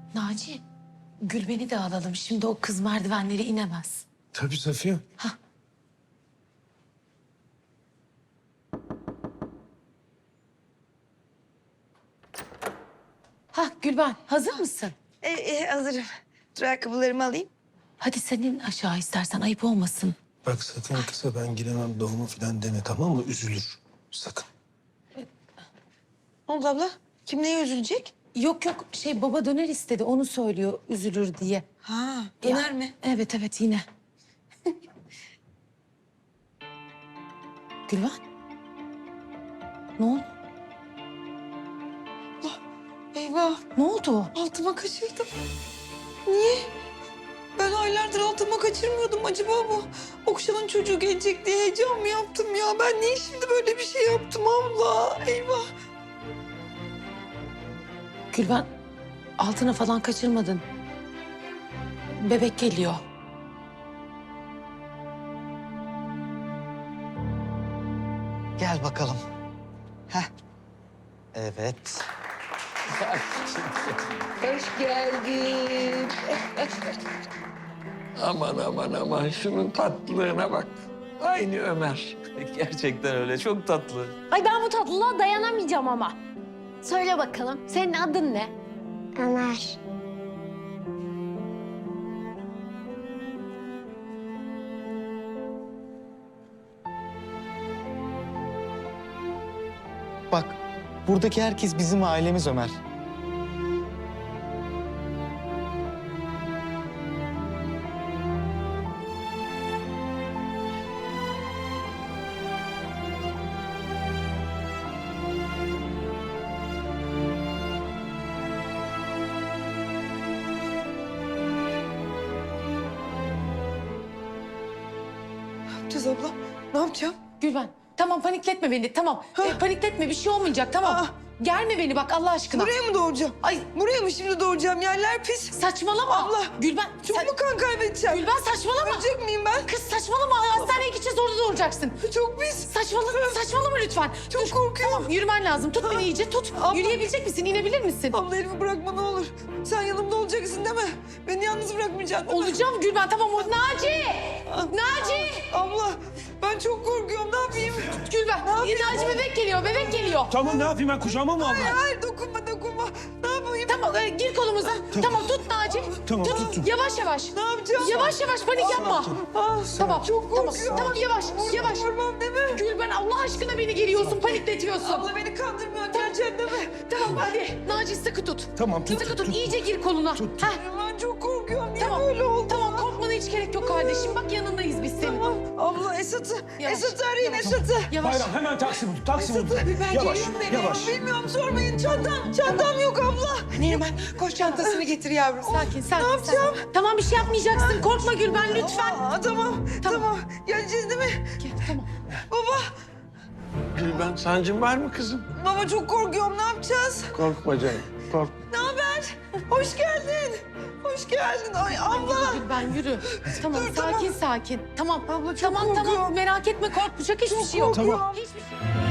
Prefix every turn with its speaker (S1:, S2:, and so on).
S1: Naci, Gülben'i de alalım. Şimdi o kız merdivenleri inemez.
S2: Tabii Safiye.
S1: Gülben, hazır mısın?
S3: Hazırım. Dur ayakkabılarımı alayım.
S1: Hadi senin aşağı istersen, ayıp olmasın.
S2: Bak sakın kısa ben giremem doğumu falan deme, tamam mı? Üzülür. Sakın.
S3: Ne oldu abla? Kim neye üzülecek?
S1: Yok, baba döner istedi, onu söylüyor üzülür diye.
S3: Ha, döner mi?
S1: Evet, yine. Gülben. Ne oldu?
S3: Eyvah,
S1: Ne oldu?
S3: altıma kaçırdım. Niye? Ben aylardır altıma kaçırmıyordum. Acaba bu Okşan'ın çocuğu gelecek diye heyecan mı yaptım ya? Ben niye şimdi böyle bir şey yaptım abla? Eyvah.
S1: Gülben, altına falan kaçırmadın. Bebek geliyor.
S4: Gel bakalım. Heh. Evet.
S3: Hoş geldin.
S5: Aman şunun tatlılığına bak. Aynı Ömer.
S6: Gerçekten öyle. Çok tatlı.
S7: Ay ben bu tatlılığa dayanamayacağım ama. Söyle bakalım, senin adın ne?
S8: Ömer.
S4: Bak, buradaki herkes bizim ailemiz Ömer.
S3: Ne yapacağız abla? Ne yapacağım?
S1: Gülben, tamam panikletme beni, tamam. Panikletme, bir şey olmayacak, tamam.
S3: Aa.
S1: Germe beni bak Allah aşkına.
S3: Buraya mı doğuracağım?
S1: Ay
S3: Buraya mı şimdi doğuracağım? Yerler pis.
S1: saçmalama.
S3: Abla,
S1: Gülben,
S3: Çok mu kan kaybedeceğim?
S1: Gülben saçmalama.
S3: Ölecek miyim ben?
S1: Kız saçmalama, hastaneye gideceğiz orada doğuracaksın.
S3: Çok pis.
S1: Saçmalama lütfen.
S3: Çok korkuyorum.
S1: Tamam, yürümen lazım. Tut beni iyice, tut.
S3: Abla.
S1: Yürüyebilecek misin, inebilir misin?
S3: Abla elimi bırakma ne olur. Sen yanımda olacaksın değil mi? Beni yalnız bırakmayacaksın değil mi?
S1: Olacağım Gülben, tamam. Naci! Naci!
S3: Abla ben çok korkuyorum. Ne yapayım?
S1: Gülben,
S3: yapayım?
S1: Naci bebek geliyor.
S2: Tamam ne yapayım ben kucağıma mı alayım?
S3: Hayır dokunma. Ne yapayım?
S1: Tamam, gir kolumuza. Tamam, tut Naci.
S2: Tamam,
S1: tut.
S2: tuttum.
S1: Yavaş.
S3: Ne yapacağım?
S1: Yavaş panik yapma. Tamam,
S3: Çok korkuyorum.
S1: Tamam, yavaş.
S3: Vurmam değil mi?
S1: Gülben Allah aşkına beni geriyorsun, panikletiyorsun.
S3: Abla beni kandırmıyorsun. Geleceksin değil mi?
S1: Tamam hadi. Naci sıkı tut.
S2: Tamam, tut,
S1: Sıkı tut.
S2: tut.
S1: İyice gir koluna. Heh,
S3: Ben çok korkuyorum. Niye
S1: tamam.
S3: böyle oldu?
S1: Tamam korkmana hiç gerek yok kardeşim. Bak yanındayız biz senin.
S3: Tamam. Abla Esat'ı.
S1: Yavaş,
S3: Esat'ı arayın
S1: yavaş.
S3: Esat'ı.
S1: Yavaş.
S2: Bayram hemen taksi bul. Taksi bul.
S3: Ben
S2: Yavaş,
S3: geliyorum nereye?
S2: yavaş.
S3: Bilmiyorum sormayın. Çantam yok abla.
S9: Neriman koş çantasını getir yavrum.
S1: Sakin.
S3: Ne yapacağım?
S1: Tamam bir şey yapmayacaksın. Korkma Gülben lütfen.
S3: Tamam. Geleceğiz değil mi?
S1: Gel, tamam.
S3: Baba.
S5: Gülben sancın var mı kızım?
S3: Baba çok korkuyorum. Ne yapacağız?
S5: Korkma canım. Kork.
S3: Ne haber? Hoş geldin. Ay abla.
S1: Gülben yürü. Tamam
S3: Dur, tamam.
S1: sakin. Tamam.
S3: Abla çok
S1: Tamam
S3: korkuyorum.
S1: merak etme korkmayacak hiçbir şey yok.
S3: korkuyorum.
S1: Hiçbir şey.